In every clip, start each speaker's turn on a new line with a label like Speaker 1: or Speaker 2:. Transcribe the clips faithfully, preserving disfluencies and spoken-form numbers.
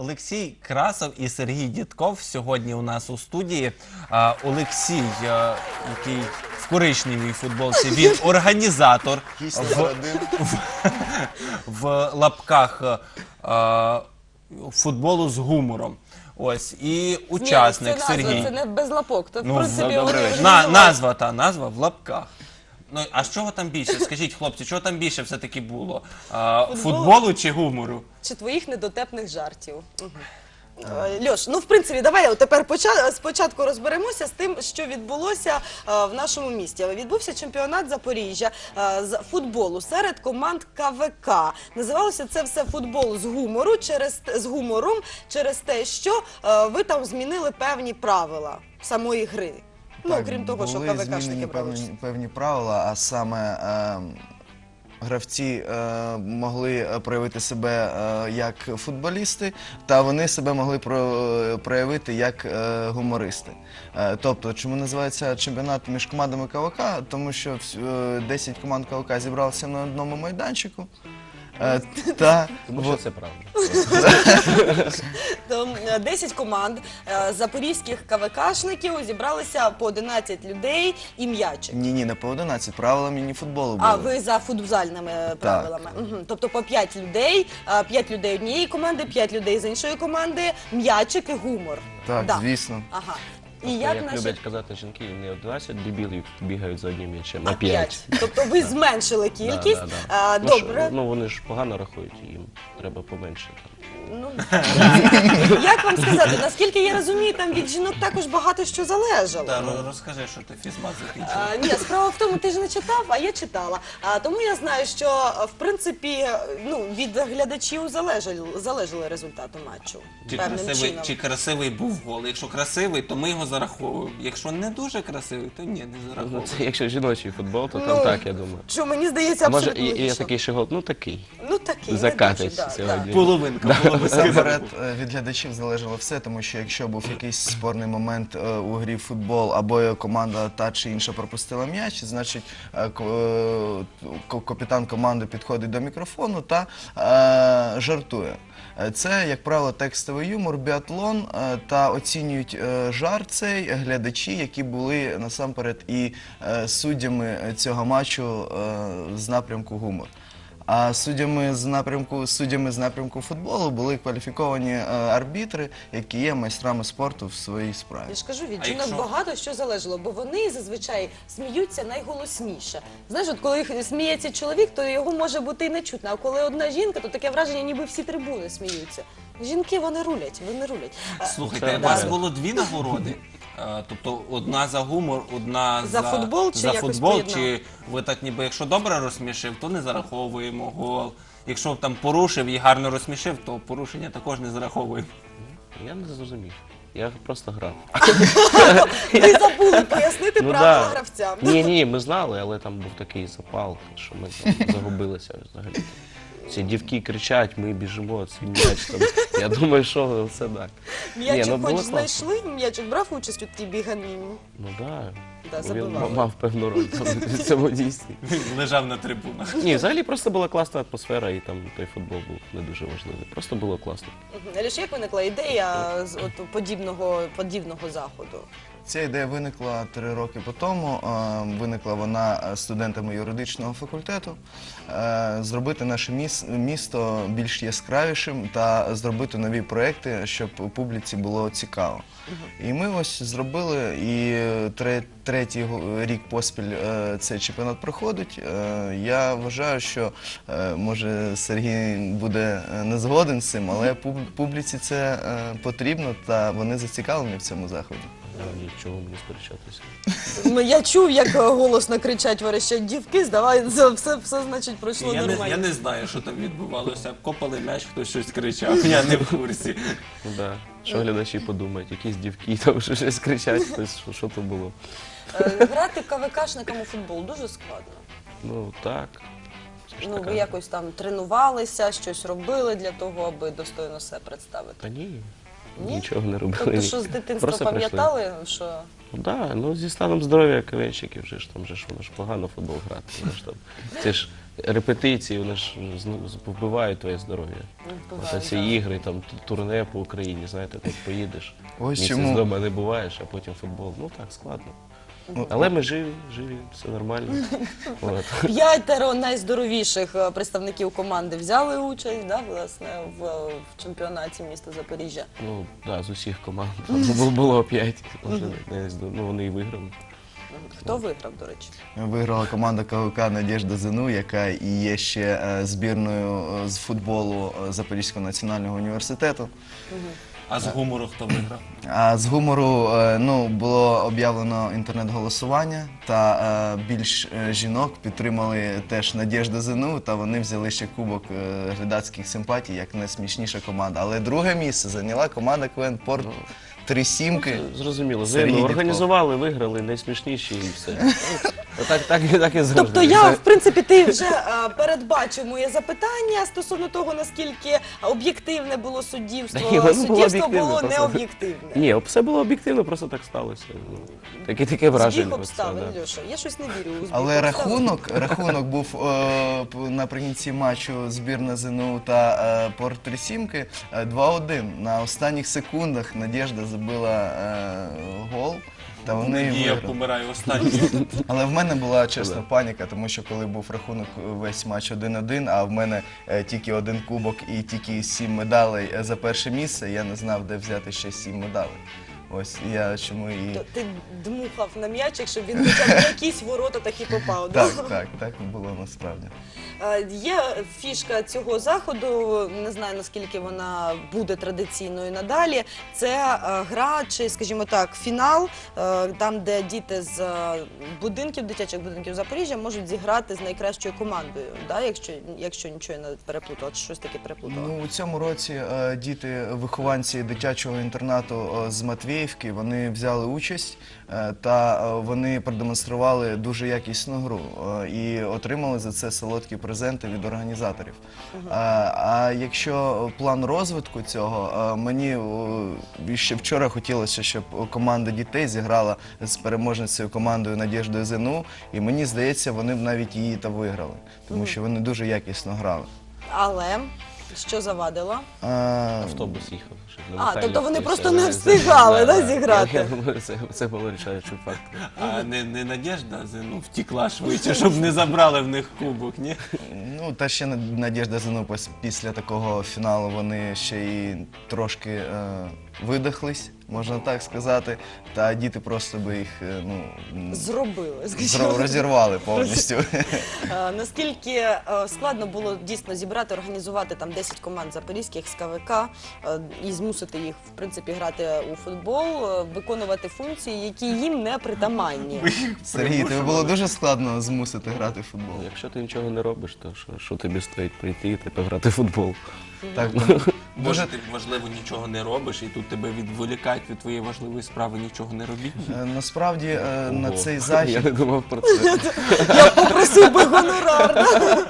Speaker 1: Олексій Красов і Сергій Дідков сьогодні у нас у студії. А, Олексій, а, який в коричневій футболці, він організатор в, в, в лапках а, футболу з гумором. Ось, і учасник
Speaker 2: Ні, це
Speaker 1: Сергій.
Speaker 2: назва, це не без лапок. То, в
Speaker 1: Ну,
Speaker 2: принципі,
Speaker 1: на,
Speaker 2: вони
Speaker 1: на, назва та назва в лапках. Ну, а з чого там більше? Скажіть, хлопці, чого там більше все-таки було? А,
Speaker 2: Футболу?
Speaker 1: футболу чи гумору?
Speaker 2: чи твоїх недотепних жартів. Угу. Льош, ну в принципі, давай тепер поча... спочатку розберемося з тим, що відбулося а, в нашому місті. Відбувся чемпіонат Запоріжжя а, з футболу серед команд Ка Ве Ка. Називалося це все футбол з гумору через з гумором через те, що а, ви там змінили певні правила самої гри. Ну,
Speaker 3: Так,
Speaker 2: окрім того, що
Speaker 3: були
Speaker 2: Ка Ве Кашники
Speaker 3: змінені
Speaker 2: брали.
Speaker 3: певні, певні правила, а саме е, гравці е, могли проявити себе е, як футболісти, та вони себе могли про, проявити як е, гумористи. Е, тобто, чому називається чемпіонат між командами Ка Ве Ка? Тому що е, десять команд Ка Ве Ка зібралися на одному майданчику. Е, та,
Speaker 4: Тому що це правда.
Speaker 2: Там десять команд е, запорізьких Ка Ве Кашників зібралися по одинадцять людей і м'ячик.
Speaker 3: Ні, ні, не по одинадцять, правила міні-футболу були.
Speaker 2: А ви за футзальними правилами. Угу. Тобто по п'ять людей, а, п'ять людей однієї команди, п'ять людей з іншої команди, м'ячик і гумор.
Speaker 3: Так,
Speaker 2: Да.
Speaker 3: звісно.
Speaker 2: Ага. І
Speaker 4: Просто,
Speaker 2: як
Speaker 4: як
Speaker 2: наші...
Speaker 4: люблять казати жінки, не одинадцять дебілів бігають за одним м'ячем, а
Speaker 2: А,
Speaker 4: п'ять.
Speaker 2: Тобто ви зменшили кількість.
Speaker 4: Да, да,
Speaker 2: А,
Speaker 4: да. Ну,
Speaker 2: добре.
Speaker 4: що, ну вони ж погано рахують, їм треба поменше.
Speaker 2: Ну, як вам сказати, наскільки я розумію, там від жінок також багато що залежало.
Speaker 1: Та, роз- розкажи, що ти фізмат закінчив.
Speaker 2: А, ні, справа в тому, ти ж не читав, а я читала. А, тому я знаю, що в принципі ну, від глядачів залежали, залежали результати матчу.
Speaker 1: Чи
Speaker 2: Певним
Speaker 1: красивий,
Speaker 2: чином.
Speaker 1: чи красивий був гол. Якщо красивий, то ми його зараховуємо. Якщо не дуже красивий, то ні, не
Speaker 4: Ну,
Speaker 1: зараховуємо.
Speaker 4: це якщо жіночий футбол, то
Speaker 2: Ну,
Speaker 4: там так, я думаю.
Speaker 2: Що мені здається,
Speaker 4: А може,
Speaker 2: абсолютно
Speaker 4: і, і є
Speaker 2: логічно.
Speaker 4: такий ще гол, ну такий.
Speaker 2: Ну такий, не
Speaker 4: Закатиться
Speaker 2: дуже, да,
Speaker 4: сьогодні.
Speaker 1: Половинка, половинка.
Speaker 3: Насамперед е, від глядачів залежало все, тому що якщо був якийсь спорний момент е, у грі в футбол, або команда та чи інша пропустила м'яч, значить е, ко- е, ко- капітан команди підходить до мікрофону та е, жартує. Е, Це, як правило, текстовий юмор, біатлон, е, та оцінюють е, жарт цей глядачі, які були насамперед і е, суддями цього матчу е, з напрямку гумор. А суддями з напрямку суддями з напрямку футболу були кваліфіковані е, арбітри, які є майстрами спорту в своїй справі.
Speaker 2: Я ж кажу, від
Speaker 1: А
Speaker 2: жінок
Speaker 1: якщо-
Speaker 2: багато що залежало, бо вони зазвичай сміються найголосніше. Знаєш, от коли сміється чоловік, то його може бути і не чутно. А коли одна жінка, то таке враження, ніби всі трибуни сміються. Жінки, вони рулять, вони рулять. А,
Speaker 1: Слухайте,
Speaker 4: Це
Speaker 1: у вас
Speaker 4: да.
Speaker 1: було дві нагороди. Е, Тобто одна за гумор, одна
Speaker 2: За футбол чи
Speaker 1: за
Speaker 2: якось
Speaker 1: футбол,
Speaker 2: поєднав?
Speaker 1: чи ви так ніби, якщо добре розсмішив, то не зараховуємо гол. Якщо там порушив і гарно розсмішив, то порушення також не зараховуємо.
Speaker 4: Я не зрозумів. Я просто грав.
Speaker 2: Ви забули пояснити
Speaker 4: Ну,
Speaker 2: правила
Speaker 4: да.
Speaker 2: гравцям.
Speaker 4: Ні, ні, ми знали, але там був такий запал, що ми там загубилися взагалі. Ці дівки кричать, ми біжимо, цей м'яч там. Я думаю, що це так. Ні,
Speaker 2: М'ячик
Speaker 4: ну,
Speaker 2: хоч
Speaker 4: було класно.
Speaker 2: знайшли, м'ячик брав участь у тій біганині.
Speaker 4: Ну так,
Speaker 2: Да,
Speaker 4: він
Speaker 2: забивали.
Speaker 4: м- мав певну роль там в цьому дійстві.
Speaker 1: Він лежав на трибунах.
Speaker 4: Ні, взагалі просто була класна атмосфера, і там той футбол був не дуже важливий. Просто було класно.
Speaker 2: Мгм. Аліш, як виникла ідея з от, подібного, подібного заходу?
Speaker 3: Ця ідея виникла три роки по тому. Е, Виникла вона студентами юридичного факультету. Е, Зробити наше міс- місто більш яскравішим та зробити нові проекти, щоб публіці було цікаво. І ми ось зробили, і тре- третій го- рік поспіль е, цей чемпіонат проходить. Е, Я вважаю, що е, може Сергій буде е, не згоден з цим, але пуб- публіці це е, потрібно, та вони зацікавлені в цьому заході.
Speaker 4: А нічого мені сперечатися.
Speaker 2: Ну, я чув, як голосно кричать, верещать дівки, здавається, все, все значить пройшло
Speaker 1: Я не,
Speaker 2: нормально.
Speaker 1: я не знаю, що там відбувалося. Копали м'яч, хтось щось кричав. Я не в курсі.
Speaker 4: Ну да. Що глядачі подумають, якісь дівки там що щось кричать, хтось, що, що то було.
Speaker 2: Е, Грати ка ве кашникам у футбол дуже складно.
Speaker 4: Ну так. Це ж
Speaker 2: Ну,
Speaker 4: така-
Speaker 2: ви якось там тренувалися, щось робили для того, аби достойно себе представити.
Speaker 4: Та ні,
Speaker 2: Ні?
Speaker 4: нічого не робили.
Speaker 2: Тобто,
Speaker 4: ні.
Speaker 2: що з дитинства
Speaker 4: Просто прийшли.
Speaker 2: пам'ятали, що
Speaker 4: Ну так, ну зі станом здоров'я КВНщиків вже ж там же ж воно ж погано в футбол грати. Воно ж там, це ж репетиції, вони ж зну- вбивають твоє здоров'я.
Speaker 2: Вбивають,
Speaker 4: Оце ці
Speaker 2: да.
Speaker 4: ігри, там т- турне по Україні, знаєте, так поїдеш,
Speaker 3: Ось
Speaker 4: місяць
Speaker 3: чому.
Speaker 4: вдома не буваєш, а потім футбол. Ну так, складно. Але ми живі, живі, все нормально. От.
Speaker 2: П'ятеро найздоровіших е, представників команди взяли участь, да, власне, в, в чемпіонаті міста Запоріжжя.
Speaker 4: Ну, да, з усіх команд. Там було, було п'ять, може, не знаю, ну вони і виграли.
Speaker 2: Хто виграв, до речі?
Speaker 3: Виграла команда КВК «Надєжда ЗНУ», яка і є ще е, збірною е, з футболу е, Запорізького національного університету.
Speaker 1: А з гумору хто виграв?
Speaker 3: А з гумору е, ну, було об'явлено інтернет-голосування, та е, більш е, жінок підтримали теж «Надєжда ЗНУ», та вони взяли ще кубок е, глядацьких симпатій, як найсмішніша команда. Але друге місце зайняла команда КВН «Порт» «Три сімки».
Speaker 4: Зрозуміло,
Speaker 3: Сергій
Speaker 4: ви ну,
Speaker 3: Дідков.
Speaker 4: організували, виграли, найсмішніші і все. Ну, Так, так, так і завжди.
Speaker 2: Тобто я,
Speaker 4: Це-
Speaker 2: в принципі, ти вже е, передбачив моє запитання стосовно того, наскільки об'єктивне було суддівство.
Speaker 4: Та ні, воно було
Speaker 2: Суддівство
Speaker 4: об'єктивне,
Speaker 2: було
Speaker 4: просто.
Speaker 2: необ'єктивне.
Speaker 4: Ні, все було об'єктивно, просто так сталося. Ну, Таке, таке враження.
Speaker 2: Збіг
Speaker 4: оце,
Speaker 2: обставин,
Speaker 4: да.
Speaker 2: Льоша. Я щось не вірю у збіг
Speaker 3: Але
Speaker 2: обставин.
Speaker 3: рахунок, рахунок був е, п- наприкінці матчу збірна ЗНУ та е, Порт Три Сімки е, два один. На останніх секундах Надєжда забила е, гол. Та вони і
Speaker 1: Надія
Speaker 3: виграли.
Speaker 1: помирає останній.
Speaker 3: Але в мене була чесна паніка, тому що коли був рахунок весь матч один один, а в мене е, тільки один кубок і тільки сім медалей е, за перше місце, я не знав, де взяти ще сім медалей. Ось і я чому і
Speaker 2: То ти дмухав на м'ячик, щоб він хоча б в якісь ворота таки попав. да?
Speaker 3: так, так, так було насправді.
Speaker 2: Е, Є фішка цього заходу, не знаю наскільки вона буде традиційною надалі. Це е, гра, чи, скажімо так, фінал, е, там, де діти з е, будинків, дитячих будинків Запоріжжя можуть зіграти з найкращою командою, да? якщо, якщо нічого я не переплутала, чи щось таке переплутала.
Speaker 3: Ну, у цьому році е, діти, вихованці дитячого інтернату е, з Матвіївки, вони взяли участь е, та е, вони продемонстрували дуже якісну гру е, і отримали за це солодкі презенти від організаторів. Е, а якщо план розвитку цього, е, мені е, ще вчора хотілося, щоб команда дітей зіграла з переможницею командою «Надєждою ЗНУ», і мені здається, вони б навіть її та виграли, тому що вони дуже якісно грали.
Speaker 2: Але що завадило?
Speaker 3: Е,
Speaker 4: Автобус їхав. щоб на
Speaker 2: А,
Speaker 4: Михайлівку
Speaker 2: тобто вони
Speaker 4: і
Speaker 2: просто
Speaker 4: все.
Speaker 2: не встигали, да,
Speaker 4: Я-
Speaker 2: зіграти?
Speaker 4: Я думаю, це, це було рішаючим фактором.
Speaker 1: А не, не Надєжда ну, втікла швидше, щоб не забрали в них кубок, ні?
Speaker 3: Ну, та ще Надєжда ЗНУ пос- після такого фіналу вони ще й трошки е, видихлись, можна так сказати. Та діти просто би їх е, ну, м,
Speaker 2: Зробили, скажімо.
Speaker 3: зро- розірвали повністю.
Speaker 2: Е, Наскільки е, складно було дійсно зібрати, організувати там десять команд запорізьких з КВК е, і змусити їх, в принципі, грати у футбол, е, виконувати функції, які їм не притаманні.
Speaker 3: Сергій, тобі було дуже складно змусити грати в футбол.
Speaker 4: Ну, Якщо ти нічого не робиш, то що, що тобі стоїть прийти і тепер грати в футбол?
Speaker 3: Так, тому
Speaker 1: Може,
Speaker 3: дуже
Speaker 1: ти, можливо, нічого не робиш, і тут тебе відволікають від твоєї важливої справи, нічого не робіть.
Speaker 3: е, насправді е, на
Speaker 4: Ого.
Speaker 3: цей
Speaker 4: Я
Speaker 3: захід.
Speaker 4: не думав про це.
Speaker 2: Я попросив би гонорар. да?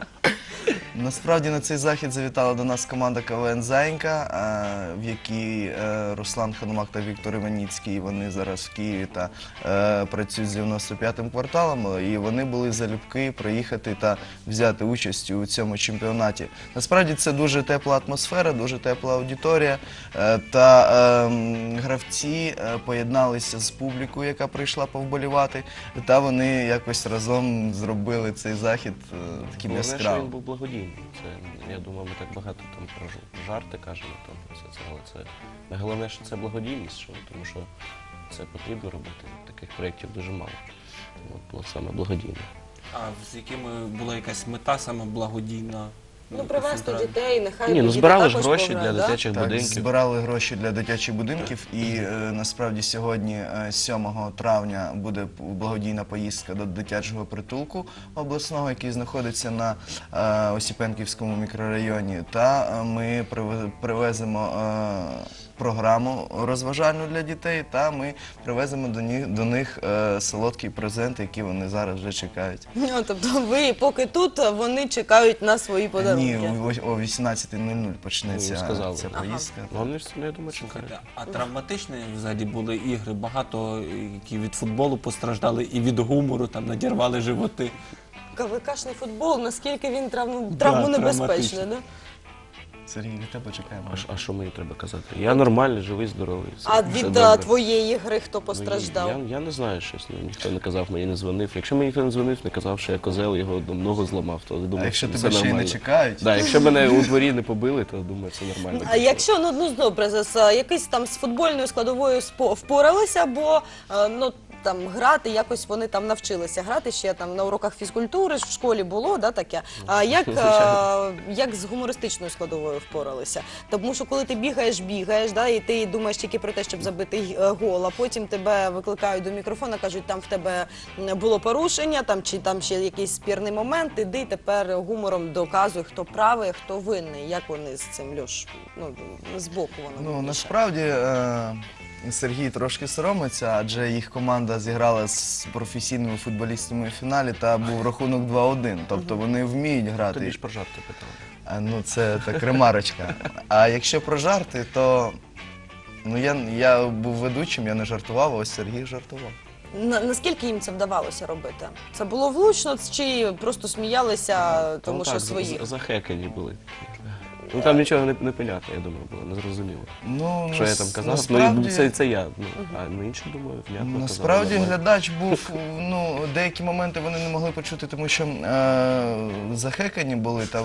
Speaker 3: Насправді на цей захід завітала до нас команда КВН «Заїнька», е, в якій е, Руслан Ханумак та Віктор Іваніцький, вони зараз в Києві та е, працюють з дев'яносто п'ятим кварталом, і вони були залюбки приїхати та взяти участь у цьому чемпіонаті. Насправді це дуже тепла атмосфера, дуже тепла аудиторія, е, та е, м, гравці е, поєдналися з публікою, яка прийшла повболівати, та вони якось разом зробили цей захід е, таким
Speaker 4: Головне, що
Speaker 3: яскравим.
Speaker 4: він був благодійний. Це, я думаю, ми так багато там про ж- жарти кажемо там про все це, але це найголовніше, що це благодійність, що, тому що це потрібно робити. Таких проєктів дуже мало. Тому от було саме благодійне.
Speaker 1: А з якими була якась мета саме благодійна?
Speaker 2: Ну, привезти дітей, нехай
Speaker 4: Ні, ну
Speaker 2: діти
Speaker 4: збирали ж
Speaker 2: також
Speaker 4: гроші
Speaker 2: пограють,
Speaker 4: для
Speaker 2: да?
Speaker 4: дитячих
Speaker 3: Так,
Speaker 4: будинків.
Speaker 3: збирали гроші для дитячих будинків, і е, насправді сьогодні, е, сьомого травня, буде п- благодійна поїздка до дитячого притулку обласного, який знаходиться на е, Осіпенківському мікрорайоні. Та е, ми приве- привеземо е, програму розважальну для дітей, та ми привеземо до них, до них е, солодкі презенти, які вони зараз вже чекають.
Speaker 2: Ну, тобто ви поки тут, вони чекають на свої
Speaker 3: Ні,
Speaker 2: подарунки.
Speaker 3: о- о вісімнадцята нуль нуль
Speaker 4: Ну,
Speaker 3: почнеться
Speaker 4: сказали.
Speaker 3: ця
Speaker 2: Ага.
Speaker 3: поїздка.
Speaker 4: Ну, вони ж, ну, я думаю, чекають.
Speaker 1: Слухайте, а травматичні взагалі були ігри? Багато, які від футболу постраждали і від гумору, там надірвали животи.
Speaker 2: КВКшний футбол, наскільки він травму, травмонебезпечний,
Speaker 1: травматичний.
Speaker 2: да?
Speaker 3: Сергій, від тебе чекаємо.
Speaker 4: А, ш- а що мені треба казати? Я нормальний, живий, здоровий. все-
Speaker 2: А
Speaker 4: все
Speaker 2: від
Speaker 4: добре.
Speaker 2: а, твоєї гри хто
Speaker 4: Ну,
Speaker 2: постраждав?
Speaker 4: Я, я не знаю щось, ну, ніхто не казав, мені не дзвонив. Якщо мені ніхто не дзвонив, не казав, що я козел, його там ногу зламав, то думаю,
Speaker 3: А якщо
Speaker 4: що
Speaker 3: тебе
Speaker 4: все
Speaker 3: ще й не
Speaker 4: нормально.
Speaker 3: чекають?
Speaker 4: Да, якщо мене у дворі не побили, то думаю, це нормально.
Speaker 2: А якщо ну, ну добре, з, з якийсь там з футбольною складовою спо- впоралися, бо е, ну там грати якось вони там навчилися грати ще там на уроках фізкультури ж в школі було, да, таке. А як, е, як з гумористичною складовою впоралися? Тому що коли ти бігаєш, бігаєш, да, і ти думаєш тільки про те, щоб забити е, гол, а потім тебе викликають до мікрофона, кажуть, там в тебе було порушення, там чи там ще якийсь спірний момент, іди тепер гумором доказуй, хто правий, хто винний. Як вони з цим, Льош? Ну, з боку воно.
Speaker 3: Ну,
Speaker 2: більше.
Speaker 3: насправді е, Сергій трошки соромиться, адже їх команда зіграла з професійними футболістами у фіналі та був рахунок два один. Тобто вони вміють грати.
Speaker 4: Тобі ж про жарти питали.
Speaker 3: А, ну, це так ремарочка. А якщо про жарти, то ну, я, я був ведучим, я не жартував, а ось Сергій жартував.
Speaker 2: На, наскільки їм це вдавалося робити? Це було влучно чи просто сміялися, тому
Speaker 4: Ну,
Speaker 2: що
Speaker 4: так,
Speaker 2: свої?
Speaker 4: за- Захекані були. Ну там нічого не, не понятно, я думаю, було незрозуміло.
Speaker 3: Ну,
Speaker 4: Що я
Speaker 3: нас-
Speaker 4: там казав?
Speaker 3: насправді-
Speaker 4: Ну, це, це я. Ну, а ну, інші, думаю, внятно
Speaker 3: Насправді
Speaker 4: казали, нормально.
Speaker 3: глядач був, ну, деякі моменти вони не могли почути, тому що е, захекані були, та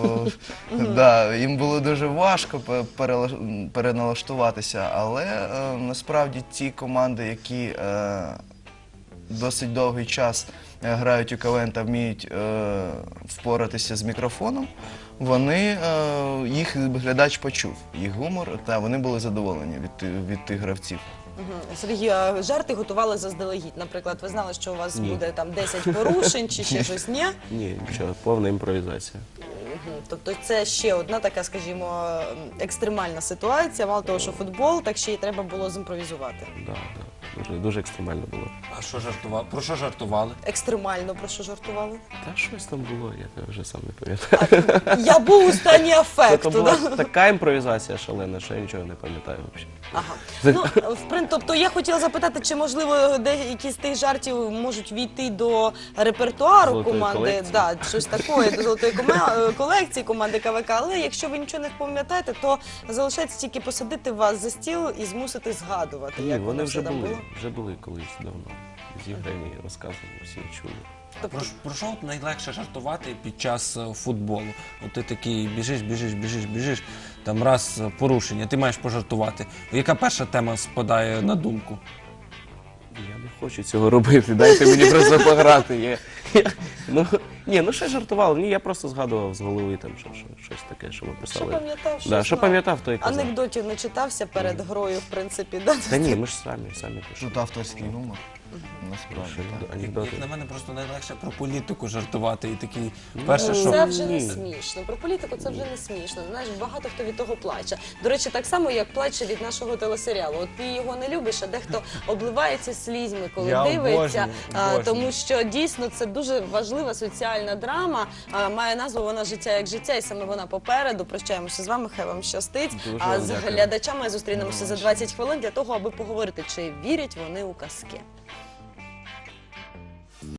Speaker 3: да, їм було дуже важко пе- перела- переналаштуватися, але е, насправді ті команди, які е, досить довгий час е, грають у КВН та вміють е, впоратися з мікрофоном, вони, е, їх глядач почув, їх гумор, та вони були задоволені від, ти- від тих гравців.
Speaker 2: Мгм. Сергій, а жарти готували заздалегідь. Наприклад, ви знали, що у вас
Speaker 4: Ні.
Speaker 2: буде там десять порушень чи ще щось? Ні?
Speaker 4: Ні, нічого, повна імпровізація.
Speaker 2: Мгм. Тобто це ще одна така, скажімо, екстремальна ситуація. Мало того, що футбол, так ще й треба було зімпровізувати.
Speaker 4: Да, да. Дуже, дуже екстремально було.
Speaker 1: А що жартували? Про що жартували?
Speaker 2: Екстремально, про що жартували?
Speaker 4: Та щось там було, я вже сам не пам'ятаю.
Speaker 2: Я був у стані
Speaker 4: Це
Speaker 2: афекту.
Speaker 4: була
Speaker 2: Да?
Speaker 4: така імпровізація шалена, що я нічого не пам'ятаю взагалі.
Speaker 2: Ага. Ну, в прин- тобто я хотіла запитати, чи можливо деякі з тих жартів можуть війти до репертуару
Speaker 4: Золотої
Speaker 2: команди,
Speaker 4: колекції.
Speaker 2: да, щось такое, до золотої коме- колекції команди КВК. Але якщо ви нічого не пам'ятаєте, то залишається тільки посадити вас за стіл і змусити згадувати,
Speaker 4: Ні,
Speaker 2: як
Speaker 4: вони
Speaker 2: воно
Speaker 4: вже
Speaker 2: все там
Speaker 4: були,
Speaker 2: було.
Speaker 4: вже були колись давно. Зіграні, розказані, всі чули.
Speaker 2: Тобто,
Speaker 1: Про, ш- про що от найлегше жартувати під час е, футболу? От ти такий біжиш, біжиш, біжиш, біжиш, там раз е, порушення, ти маєш пожартувати. Яка перша тема спадає на думку?
Speaker 4: Я не хочу цього робити, дайте мені просто пограти. Я, я, ну, ні, ну ще жартував, ні, я просто згадував з голови там, що, що, щось таке, що ми
Speaker 2: що
Speaker 4: писали.
Speaker 2: пам'ятав, що
Speaker 4: Да, що
Speaker 2: знав.
Speaker 4: пам'ятав, то і казав.
Speaker 2: Анекдотів не читався перед грою, в принципі, да?
Speaker 4: Та ні, ми ж самі, самі пишемо.
Speaker 3: Тут авторський гумор. Насправді.
Speaker 4: Що,
Speaker 3: так.
Speaker 1: Як,
Speaker 4: анекдоти.
Speaker 1: як на мене, просто найлегше про політику жартувати. І такий, перше,
Speaker 4: Ну,
Speaker 1: що
Speaker 2: Це вже не
Speaker 4: Ні.
Speaker 2: смішно. Про політику це вже не смішно. Знаєш, багато хто від того плаче. До речі, так само, як плаче від нашого телесеріалу. От ти його не любиш, а дехто обливається слізьми, коли
Speaker 1: Я
Speaker 2: дивиться.
Speaker 1: обожнюю,
Speaker 2: А,
Speaker 1: обожнюю.
Speaker 2: тому що дійсно це дуже важлива соціальна драма. А, має назву вона життя як життя, і саме вона попереду. Прощаємося з вами. Хай вам щастить.
Speaker 4: Дуже
Speaker 2: А
Speaker 4: вам
Speaker 2: з
Speaker 4: дякую.
Speaker 2: глядачами зустрінемося за двадцять хвилин для того, аби поговорити, чи вірять вони у казки.